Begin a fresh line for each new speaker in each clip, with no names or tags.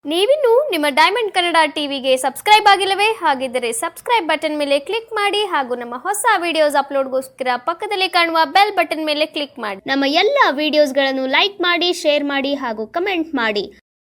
ನೀವಿನ್ನು ನಿಮ್ಮ ಡೈಮಂಡ್ ಕನ್ನಡ ಟಿವಿಗೆ ಸಬ್ಸ್ಕ್ರೈಬ್ ಆಗಿಲ್ಲವೇ? ಹಾಗಿದ್ದರೆ ಸಬ್ಸ್ಕ್ರೈಬ್ ಬಟನ್ ಮೇಲೆ ಕ್ಲಿಕ್ ಮಾಡಿ ಹಾಗೂ ನಮ್ಮ ಹೊಸ ವಿಡಿಯೋಸ್ ಅಪ್ಲೋಡ್ಗೋಸ್ಕರ ಪಕ್ಕದಲ್ಲಿ ಕಾಣುವ ಬೆಲ್ ಬಟನ್ ಮೇಲೆ ಕ್ಲಿಕ್ ಮಾಡಿ. ನಮ್ಮ ಎಲ್ಲ ವಿಡಿಯೋಸ್ಗಳನ್ನು ಲೈಕ್ ಮಾಡಿ, ಶೇರ್ ಮಾಡಿ ಹಾಗೂ ಕಮೆಂಟ್ ಮಾಡಿ.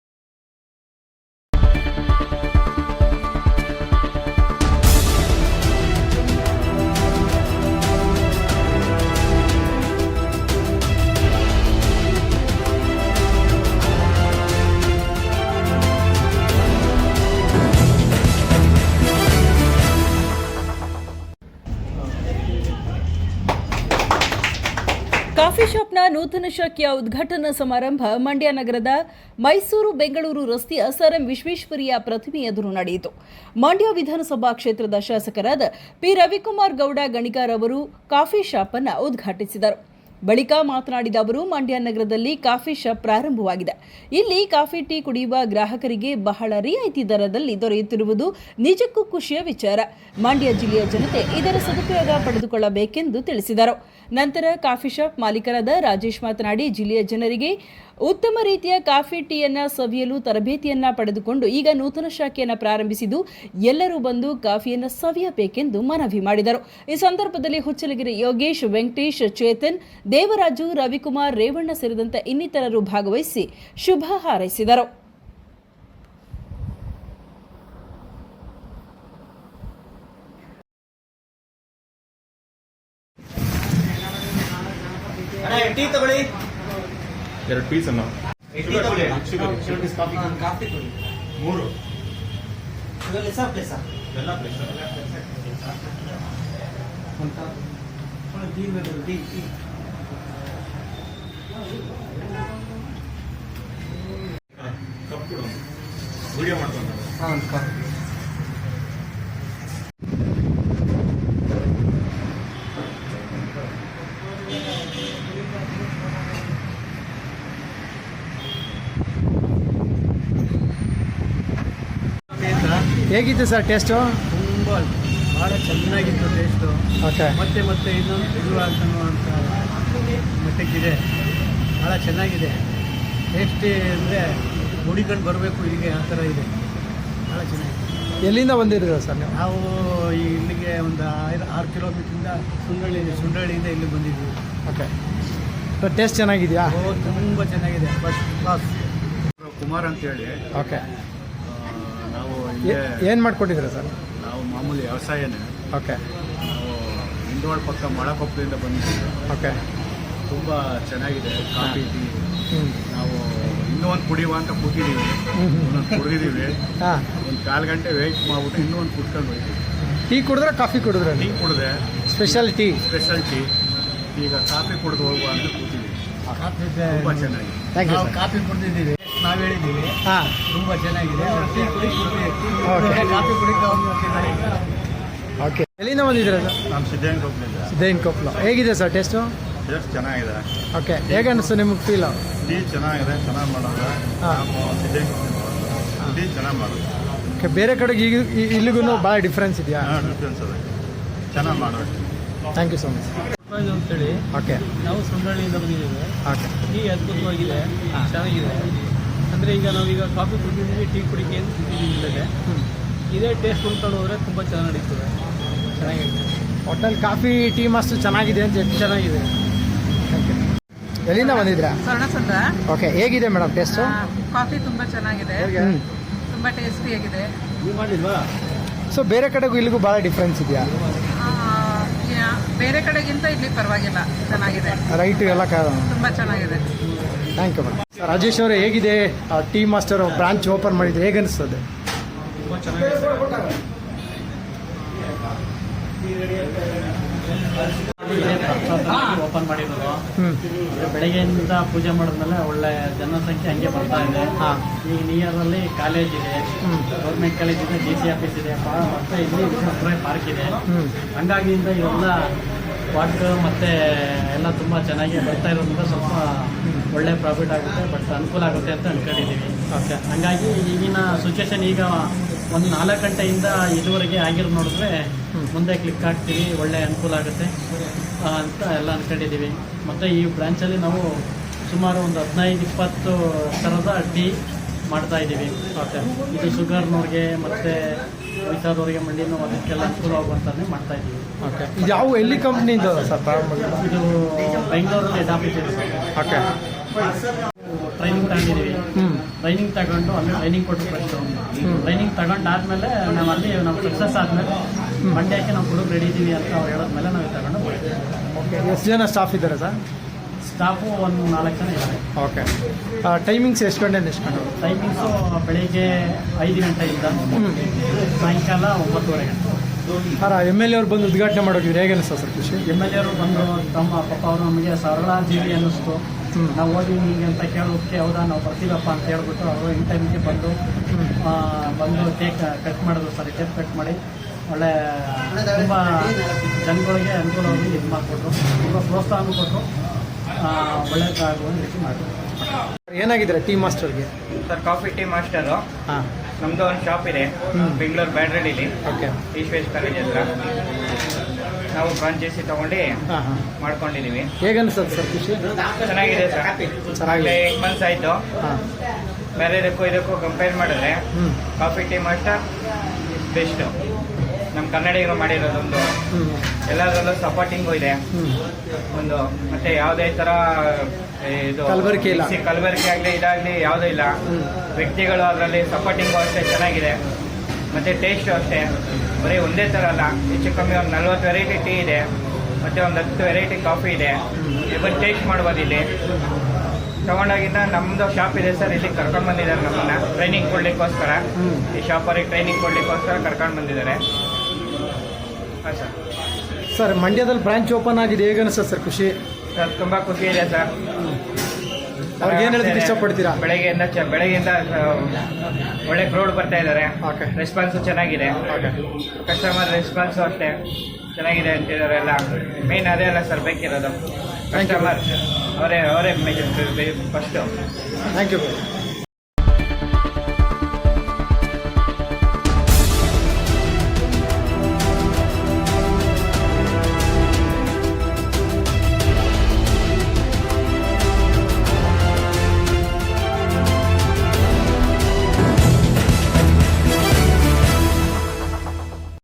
ಕಾಫಿ ಶಾಪ್ನ ನೂತನ ಶಾಖೆಯ ಉದ್ಘಾಟನಾ ಸಮಾರಂಭ ಮಂಡ್ಯ ನಗರದ ಮೈಸೂರು ಬೆಂಗಳೂರು ರಸ್ತೆಯ ಸರ್ ಎಂ ವಿಶ್ವೇಶ್ವರಯ್ಯ ಪ್ರತಿಮೆ ಎದುರು ನಡೆಯಿತು. ಮಂಡ್ಯ ವಿಧಾನಸಭಾ ಕ್ಷೇತ್ರದ ಶಾಸಕರಾದ ಪಿ ರವಿಕುಮಾರ್ ಗೌಡ ಗಣಿಗಾರ್ ಅವರು ಕಾಫಿ ಶಾಪ್ ಅನ್ನು ಉದ್ಘಾಟಿಸಿದರು. ಬಳಿಕ ಮಾತನಾಡಿದ ಅವರು, ಮಂಡ್ಯ ನಗರದಲ್ಲಿ ಕಾಫಿ ಶಾಪ್ ಪ್ರಾರಂಭವಾಗಿದೆ. ಇಲ್ಲಿ ಕಾಫಿ ಟೀ ಕುಡಿಯುವ ಗ್ರಾಹಕರಿಗೆ ಬಹಳ ರಿಯಾಯಿತಿ ದರದಲ್ಲಿ ದೊರೆಯುತ್ತಿರುವುದು ನಿಜಕ್ಕೂ ಖುಷಿಯ ವಿಚಾರ. ಮಂಡ್ಯ ಜಿಲ್ಲೆಯ ಜನತೆ ಇದರ ಸದುಪಯೋಗ ಪಡೆದುಕೊಳ್ಳಬೇಕೆಂದು ತಿಳಿಸಿದರು. ನಂತರ ಕಾಫಿ ಶಾಪ್ ಮಾಲೀಕರಾದ ರಾಜೇಶ್ ಮಾತನಾಡಿ, ಜಿಲ್ಲೆಯ ಜನರಿಗೆ ಉತ್ತಮ ರೀತಿಯ ಕಾಫಿ ಟೀಯನ್ನು ಸವಿಯಲು ತರಬೇತಿಯನ್ನ ಪಡೆದುಕೊಂಡು ಈಗ ನೂತನ ಶಾಖೆಯನ್ನು ಪ್ರಾರಂಭಿಸಿದ್ದು ಎಲ್ಲರೂ ಬಂದು ಕಾಫಿಯನ್ನು ಸವಿಯಬೇಕೆಂದು ಮನವಿ ಮಾಡಿದರು. ಈ ಸಂದರ್ಭದಲ್ಲಿ ಹುಚ್ಚಲಗಿರಿ ಯೋಗೇಶ್, ವೆಂಕಟೇಶ್, ಚೇತನ್, ದೇವರಾಜು, ರವಿಕುಮಾರ್, ರೇವಣ್ಣ ಸೇರಿದಂತೆ ಇನ್ನಿತರರು ಭಾಗವಹಿಸಿ ಶುಭ ಹಾರೈಸಿದರು.
ಟೀ ತಗೊಳ್ಳಿ,
2 ಪೀಸ್ ಅನ್ನ
ಕಾಫಿ ಕೊಡಿ, 3 ಸರ್ ಪ್ಲೇಸ್ ಎಲ್ಲ ಪ್ಲೇಸ್ ಟೀ
ಕಪ್ ಕೊಡು, ವಿಡಿಯೋ ಮಾಡ್ಕೊಂಡು
ಹೇಗಿತ್ತು ಸರ್ ಟೇಸ್ಟು?
ತುಂಬ ಭಾಳ ಚೆನ್ನಾಗಿತ್ತು ಟೇಸ್ಟು.
ಓಕೆ.
ಮತ್ತೆ ಇನ್ನೊಂದು ಇದು ಅಂತನ್ನುವಂಥ ಮಟ್ಟಕ್ಕಿದೆ. ಭಾಳ ಚೆನ್ನಾಗಿದೆ ಟೇಸ್ಟಿ. ಅಂದರೆ ಹುಡಿಕೊಂಡು ಬರಬೇಕು ಹೀಗೆ, ಆ ಥರ ಇದೆ. ಭಾಳ ಚೆನ್ನಾಗಿದೆ.
ಎಲ್ಲಿಂದ ಬಂದಿರೋದು ಸರ್ ನೀವು?
ನಾವು ಇಲ್ಲಿಗೆ ಒಂದು 6 ಕಿಲೋಮೀಟ್ರಿಂದ ಸುಂಡಳ್ಳಿಯಿಂದ ಇಲ್ಲಿಗೆ ಬಂದಿದ್ವಿ.
ಓಕೆ. ಟೇಸ್ಟ್ ಚೆನ್ನಾಗಿದೆಯಾ?
ತುಂಬ ಚೆನ್ನಾಗಿದೆ, ಫಸ್ಟ್ ಕ್ಲಾಸ್. ಕುಮಾರ್ ಅಂತೇಳಿ.
ಓಕೆ.
ನಾವು
ಏನು ಮಾಡ್ಕೊಂಡಿದ್ದೀರಾ ಸರ್?
ನಾವು ಮಾಮೂಲಿ ವ್ಯವಸಾಯನೇ.
ಓಕೆ.
ನಾವು ಇಂದೋಳ ಪಕ್ಕ ಮಳಕೊಪ್ಪದಿಂದ ಬಂದಿದ್ದೀವಿ.
ಓಕೆ.
ತುಂಬ ಚೆನ್ನಾಗಿದೆ ಕಾಫಿ ಟೀ. ನಾವು ಇನ್ನೂ ಒಂದು ಕುಡಿಯುವ ಅಂತ ಕೂತಿದ್ದೀವಿ. ಒಂದೊಂದು ಕುಡಿದಿದ್ದೀವಿ.
ಹಾಂ.
ಒಂದು 4 ಗಂಟೆ ವೆಯ್ಟ್ ಮಾಡ್ಬಿಟ್ಟು ಇನ್ನೂ ಒಂದು ಕುಟ್ಕೊಂಡು ಹೋಗ್ತೀವಿ.
ಟೀ ಕುಡಿದ್ರೆ ಕಾಫಿ ಕುಡಿದ್ರೆ?
ಟೀ ಕುಡಿದೆ,
ಸ್ಪೆಷಲ್ ಟೀ.
ಈಗ ಕಾಫಿ ಕುಡಿದು ಹೋಗುವ ಅಂತ ಕೂತಿದ್ದೀವಿ. ತುಂಬ ಚೆನ್ನಾಗಿದೆ.
ಥ್ಯಾಂಕ್ ಯು
ನಾವು
ಸರ್.
ಕಾಫಿ ಕುಡಿದಿದ್ದೀವಿ, ನಾವು ಹೇಳಿದ್ದೀವಿ.
ಹಾಂ.
ತುಂಬ ಚೆನ್ನಾಗಿದೆ. ಟೀ ಕುಡಿ,
ಓಕೆ.
ಕಾಫಿ ಕುಡಿದು
ಓಕೆ. ಎಲ್ಲಿಂದ ಬಂದಿದ್ದೀರಾ ಸರ್?
ನಾನು ಸಿದ್ಧಾಂತ
ಸಿದ್ದೇನ್ ಕೊಪ್ಪಲು. ಹೇಗಿದೆ ಸರ್ ಟೇಸ್ಟು?
ಟೇಸ್ಟ್ ಚೆನ್ನಾಗಿದೆ.
ಓಕೆ. ಹೇಗೆ ಅನಿಸ್ತು ನಿಮಗೆ ಫೀಲು?
ಟೀ ಚೆನ್ನಾಗಿದೆ, ಚೆನ್ನಾಗಿ ಮಾಡೋದು.
ಹಾಂ.
ಸಿದ್ಧಾಂತ ಟೀ ಚೆನ್ನಾಗಿ ಮಾಡೋದು.
ಓಕೆ. ಬೇರೆ ಕಡೆಗೆ ಇಲ್ಲಿಗೂ ಭಾಳ ಡಿಫ್ರೆನ್ಸ್ ಇದೆಯಾ?
ಡಿಫ್ರೆನ್ಸ್ ಅದೇ, ಚೆನ್ನಾಗಿ ಮಾಡೋದು.
Thank you so much.
ಅಂತೇಳಿ
ಓಕೆ.
ನಾವು ಸುಂಡಳ್ಳಿಯಿಂದ ಬಂದಿದ್ದೇವೆ.
ಓಕೆ.
ಟೀ ಅದ್ಭುತವಾಗಿದೆ, ಚೆನ್ನಾಗಿದೆ. ಅಂದರೆ ಈಗ ನಾವೀಗ ಕಾಫಿ ಕುಡಿದಿದ್ದೀವಿ, ಟೀ ಕುಡಿಕೆ ಅಂತ ಕುಡಿದಿದ್ದೀವಿ. ಇಲ್ಲದೆ ಇದೇ ಟೇಸ್ಟ್ ಉಳ್ಕೊಂಡು ಹೋದರೆ ತುಂಬ ಚೆನ್ನಾಗಿ ನಡೀತದೆ, ಚೆನ್ನಾಗಿದೆ.
ಹೋಟೆಲ್ ಕಾಫಿ ಟೀ ಮಸ್ತ್ ಚೆನ್ನಾಗಿದೆ ಅಂತ ಎಷ್ಟು
ಚೆನ್ನಾಗಿದೆ.
ಎಲ್ಲಿಂದ ಬಂದಿದ್ರಾ?
ಸ್ವರ್ಣಸುಂದರ.
ಓಕೆ. ಹೇಗಿದೆ ಮೇಡಮ್ ಟೇಸ್ಟು?
ಕಾಫಿ ತುಂಬ ಚೆನ್ನಾಗಿದೆ, ತುಂಬ ಟೇಸ್ಟಿಯಾಗಿದೆ.
ಸೊ ಬೇರೆ ಕಡೆಗೂ ಇಲ್ಲಿಗೂ ಭಾಳ ಡಿಫ್ರೆನ್ಸ್ ಇದೆಯಾ?
ಬೇರೆ ಕಡೆಗಿಂತ ಇಲ್ಲಿ ಪರವಾಗಿಲ್ಲ, ಚೆನ್ನಾಗಿದೆ.
ರೈಟು ಎಲ್ಲ
ತುಂಬ ಚೆನ್ನಾಗಿದೆ.
Thank you madam. ರಾಜೇಶ್ ಅವರೇ, ಹೇಗಿದೆ ಟೀ ಮಾಸ್ಟರ್ ಬ್ರಾಂಚ್ ಓಪನ್ ಮಾಡಿದ್ರೆ ಹೇಗೆ ಅನಿಸ್ತದೆ?
ತುಂಬ ಚೆನ್ನಾಗಿದೆ. ಓಪನ್ ಮಾಡಿರೋದು ಬೆಳಗ್ಗೆಯಿಂದ ಪೂಜೆ ಮಾಡಿದ್ಮೇಲೆ ಒಳ್ಳೆ ಜನಸಂಖ್ಯೆ ಹಂಗೆ ಬರ್ತಾ ಇದೆ. ಈಗ ನಿಯರಲ್ಲಿ ಕಾಲೇಜ್ ಇದೆ, ಗೌರ್ಮೆಂಟ್ ಕಾಲೇಜ್ ಇದೆ, DC ಆಫೀಸ್ ಇದೆ, ಮತ್ತೆ ಇಲ್ಲಿ ವಿಶ್ವೇಶ್ವರಯ್ಯ ಪಾರ್ಕ್ ಇದೆ. ಹಂಗಾಗಿ ಇವೆಲ್ಲ ವಾಟ್ ಮತ್ತೆ ಎಲ್ಲ ತುಂಬ ಚೆನ್ನಾಗಿ ಬರ್ತಾ ಇರೋದ್ರಿಂದ ಸ್ವಲ್ಪ ಒಳ್ಳೆ ಪ್ರಾಫಿಟ್ ಆಗುತ್ತೆ, ಬಟ್ ಅನುಕೂಲ ಆಗುತ್ತೆ ಅಂತ ಅಂದ್ಕೊಂಡಿದ್ದೀವಿ. ಓಕೆ. ಹಂಗಾಗಿ ಈಗಿನ ಸಿಚುವೇಶನ್ ಈಗ ಒಂದು 4 ಗಂಟೆಯಿಂದ ಇದುವರೆಗೆ ಆಗಿರೋದು ನೋಡಿದ್ರೆ ಮುಂದೆ ಕ್ಲಿಕ್ ಆಗ್ತೀವಿ, ಒಳ್ಳೆ ಅನುಕೂಲ ಆಗುತ್ತೆ ಅಂತ ಎಲ್ಲ ಅಂದ್ಕೊಂಡಿದ್ದೀವಿ. ಮತ್ತು ಈ ಬ್ರಾಂಚಲ್ಲಿ ನಾವು ಸುಮಾರು ಒಂದು 15-20 ಥರದ ಟೀ ಮಾಡ್ತಾ ಇದ್ದೀವಿ.
ಓಕೆ
ಇದು ಶುಗರ್ನವ್ರಿಗೆ ಮತ್ತು ವಯಸ್ಸಾದವ್ರಿಗೆ ಮಂಡಿ ನೋವು ಅದಕ್ಕೆಲ್ಲ ಅನುಕೂಲವಾಗುವಂಥದ್ದೇ ಮಾಡ್ತಾ ಇದ್ದೀವಿ.
ಓಕೆ ಇದು ಯಾವ ಎಲ್ಲಿ ಕಂಪ್ನಿಯಿಂದ ಸರ್ ಪ್ರಾರಂಭ
ಇದು ಬೆಂಗಳೂರಲ್ಲಿ ಹೆಡ್ ಆಫೀಸ್ ಇದೆ ಸರ್.
ಓಕೆ
ಟ್ರೈನಿಂಗ್ ತಗೊಂಡಿದ್ದೀವಿ. ಟ್ರೈನಿಂಗ್ ತಗೊಂಡು ಅಲ್ಲಿ ಟ್ರೈನಿಂಗ್ ಕೊಟ್ಟು ಫಸ್ಟು ಟ್ರೈನಿಂಗ್ ತಗೊಂಡಾದ್ಮೇಲೆ ನಾವು ಅಲ್ಲಿ ನಾವು ಸಕ್ಸಸ್ ಆದಮೇಲೆ ಮಂಡ್ಯಕ್ಕೆ ನಾವು ಹುಡುಗ ರೆಡಿ ಇದ್ದೀವಿ ಅಂತ ಅವ್ರು ಹೇಳಿದ್ಮೇಲೆ ನಾವು ತಗೊಂಡು ಹೋಗ್ತೀವಿ.
ಓಕೆ ಎಷ್ಟು ಜನ ಸ್ಟಾಫ್ ಇದ್ದಾರೆ ಸರ್?
ಸ್ಟಾಫು ಒಂದು 4 ಜನ ಇದ್ದಾರೆ.
ಓಕೆ ಟೈಮಿಂಗ್ಸ್ ಎಷ್ಟು ಗಂಟೆಯಿಂದ ಎಷ್ಟು ಗಂಟೆ?
ಟೈಮಿಂಗ್ಸು ಬೆಳಿಗ್ಗೆ 5 ಗಂಟೆಯಿಂದ ಸಾಯಂಕಾಲ 9:30 ಗಂಟೆ.
ಸರ್ ಎಮ್ ಎಲ್ ಎ ಅವ್ರು ಬಂದು ಉದ್ಘಾಟನೆ ಮಾಡೋಗಿದ್ರೆ ಹೇಗೆ ಅನಿಸ್ತು ಸರ್ ಖುಷಿ?
MLA ಅವರು ಬಂದು ತಮ್ಮ ಪಾಪ ಅವರು ನಮಗೆ ಸರಳ ಜೀವಿ ಅನ್ನಿಸ್ತು. ನಾವು ಹೋಗಿ ಹೀಗೆ ಅಂತ ಕೇಳೋದಕ್ಕೆ ಹೌದಾ ನಾವು ಬರ್ತೀವಪ್ಪ ಅಂತ ಹೇಳ್ಬಿಟ್ಟು ಅವರು ಇನ್ ಟೈಮ್ಗೆ ಬಂದು ಕೇಕ್ ಕಟ್ ಮಾಡಿದ್ರು ಸರ್. ಕೇಕ್ ಕಟ್ ಮಾಡಿ ಒಳ್ಳೆ ತುಂಬ ಜನಗಳಿಗೆ ಅನುಕೂಲವಾಗಿ ಇದು ಮಾಡಿಕೊಟ್ರು, ತುಂಬ ಪ್ರೋತ್ಸಾಹ ಕೊಟ್ಟರು, ಒಳ್ಳೆಯದಾಗುವ ರೀತಿ ಮಾಡಿದ್ರು.
ಏನಾಗಿದ್ದಾರೆ ಟೀ ಮಾಸ್ಟರ್ಗೆ?
Sir coffee tea master.
ಹಾಂ
ನಮ್ಮದು ಒಂದು ಶಾಪ್ ಇದೆ ಬೆಂಗಳೂರು ಬ್ಯಾಡ್ರಳ್ಳಿಲಿ,
ಓಕೆ
ಈಶ್ವೇಶ್ ಕಾಲೇಜ್ ಹತ್ರ. ನಾವು ಫ್ರಾಂಚೈಸಿ ತೊಗೊಂಡು
ಹಾಂ ಹಾಂ
ಮಾಡ್ಕೊಂಡಿದ್ದೀವಿ.
ಹೇಗೆ ಅನಿಸ್ತದೆ ಸರ್ ಖುಷಿ?
ಚೆನ್ನಾಗಿದೆ ಸರ್.
ಚೆನ್ನಾಗಿದೆ.
8 months ಆಯಿತು.
ಹಾಂ
ಬೇರೆದಕ್ಕೂ ಇದಕ್ಕೂ ಕಂಪೇರ್ ಮಾಡಿದ್ರೆ ಕಾಫಿ ಟೀ ಮಾಸ್ಟರ್ ಬೆಸ್ಟು. ನಮ್ಮ ಕನ್ನಡಿಗರು ಮಾಡಿರೋದೊಂದು ಎಲ್ಲದರಲ್ಲೂ ಸಪೋರ್ಟಿಂಗು ಇದೆ ಒಂದು. ಮತ್ತೆ ಯಾವುದೇ ಥರ ಇದು
ಕಲಬೆರಕೆ ಇಲ್ಲ.
ಕಲಬೆರಕೆ ಆಗಲಿ ಇದಾಗಲಿ ಯಾವುದೂ ಇಲ್ಲ. ವ್ಯಕ್ತಿಗಳು ಅದರಲ್ಲಿ ಸಪೋರ್ಟಿಂಗು ಅಷ್ಟೇ ಚೆನ್ನಾಗಿದೆ. ಮತ್ತು ಟೇಸ್ಟು ಅಷ್ಟೇ ಬರೀ ಒಂದೇ ಥರ ಅಲ್ಲ, ಹೆಚ್ಚು ಕಮ್ಮಿ ಒಂದು 40 ವೆರೈಟಿ ಟೀ ಇದೆ, ಮತ್ತು ಒಂದು 10 ವೆರೈಟಿ ಕಾಫಿ ಇದೆ. ಇವತ್ತು ಟೇಸ್ಟ್ ಮಾಡ್ಬೋದು ಇಲ್ಲಿ. ತಗೊಂಡಾಗಿಂದ ನಮ್ಮದು ಶಾಪ್ ಇದೆ ಸರ್, ಇಲ್ಲಿ ಕರ್ಕೊಂಡು ಬಂದಿದ್ದಾರೆ ನಮ್ಮನ್ನು ಟ್ರೈನಿಂಗ್ ಕೊಡಲಿಕ್ಕೋಸ್ಕರ. ಈ ಶಾಪರಿಗೆ ಟ್ರೈನಿಂಗ್ ಕೊಡಲಿಕ್ಕೋಸ್ಕರ ಕರ್ಕೊಂಡು ಬಂದಿದ್ದಾರೆ. ಹಾಂ ಸರ್.
ಸರ್ ಮಂಡ್ಯದಲ್ಲಿ ಬ್ರಾಂಚ್ ಓಪನ್ ಆಗಿದೆ, ಹೇಗೆ ಅನಿಸ್ತದೆ ಸರ್ ಖುಷಿ?
ಸರ್ ತುಂಬ ಖುಷಿ ಇದೆ ಸರ್.
ಅವ್ರಿಗೆ ಏನು ಹೇಳೋದಕ್ಕೆ ಇಷ್ಟಪಡ್ತೀರಾ?
ಬೆಳಗ್ಗೆಯಿಂದ ಒಳ್ಳೆ ಕ್ರೌಡ್ ಬರ್ತಾ ಇದ್ದಾರೆ.
ಓಕೆ
ರೆಸ್ಪಾನ್ಸು ಚೆನ್ನಾಗಿದೆ.
ಓಕೆ
ಕಸ್ಟಮರ್ ರೆಸ್ಪಾನ್ಸು ಅಷ್ಟೇ ಚೆನ್ನಾಗಿದೆ ಅಂತಿದ್ದಾರೆ ಎಲ್ಲ. ಮೇನ್ ಅದೇ ಅಲ್ಲ ಸರ್ ಬೇಕಿರೋದು, ಕಸ್ಟಮರ್ ಅವರೇ ಫಸ್ಟು.
Thank you.